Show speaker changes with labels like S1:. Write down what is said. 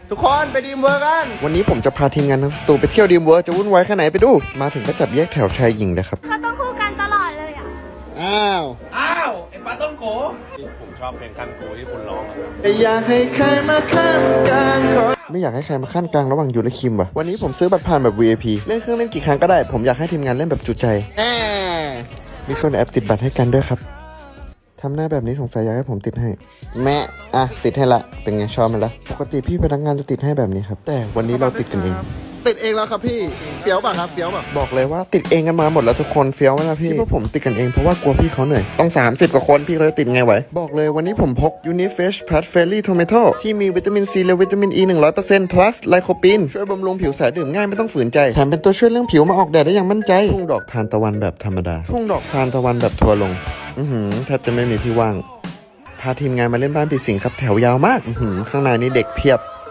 S1: ทุกคนไปดีมเวิร์กันวันนี้ผมจะพาทีมงานทั้งสตูไปเที่ยวดีมเวิร์จะวุ่นวายแค่ไหนไปดูมาถึงก็จับแยกแถวชายหญิงเลยครับ
S2: เขาต้องคู่กันตลอดเลยอ่ะ
S1: อ้าว
S3: ไอ้ปลาต้องโกผมชอบเพลงขั้นกูที่คุณร้อง
S1: อยากให้ใครมาขั้นกลางไม่อยากให้ใครมาขั้นกลางระหว่างยูและคิมว่ะวันนี้ผมซื้อบัตรผ่านแบบ VIP เล่นเครื่องเล่นกี่ครั้งก็ได้ผมอยากให้ทีมงานเล่นแบบจุใจมีคนแอปติดบัตรให้กันด้วยครับทำหน้าแบบนี้สงสัยอยากให้ผมติดให้แม่ติดให้ละเป็นไงชอบมันละปกติพี่พนักงานจะติดให้แบบนี้ครับแต่วันนี้เราติดกันเองติดเองแล้วครับพี่เฟี้ยวป่ะครับเฟี้ยวป่ะบอกเลยว่าติดเองกันมาหมดแล้วทุกคนเฟี้ยวไหมล่ะพี่ที่พวกผมติดกันเองเพราะว่ากลัวพี่เขาเหนื่อยต้อง30กว่าคนพี่เขาจะติดไงไหวบอกเลยวันนี้ผมพก Unifresh Pad Fairy Tomato ที่มีวิตามินซีและวิตามิน E 100% plus ไลโคปีนช่วยบำรุงผิวใสดื่มง่ายไม่ต้องฝืนใจแถมเป็นตัวช่วยเรื่องผิวมาออกแดดได้อย่างมั่นใจทุ่งดอกทานตะวันแบบธรรมดาทุ่งดอกทานตะวันแบบทัวลงแทบจะไม่มีที่ว่างพาทีมงานมาเล่นบ้านปีสิงครับแถวยาวมากข้างในนี่เด็กเพียบ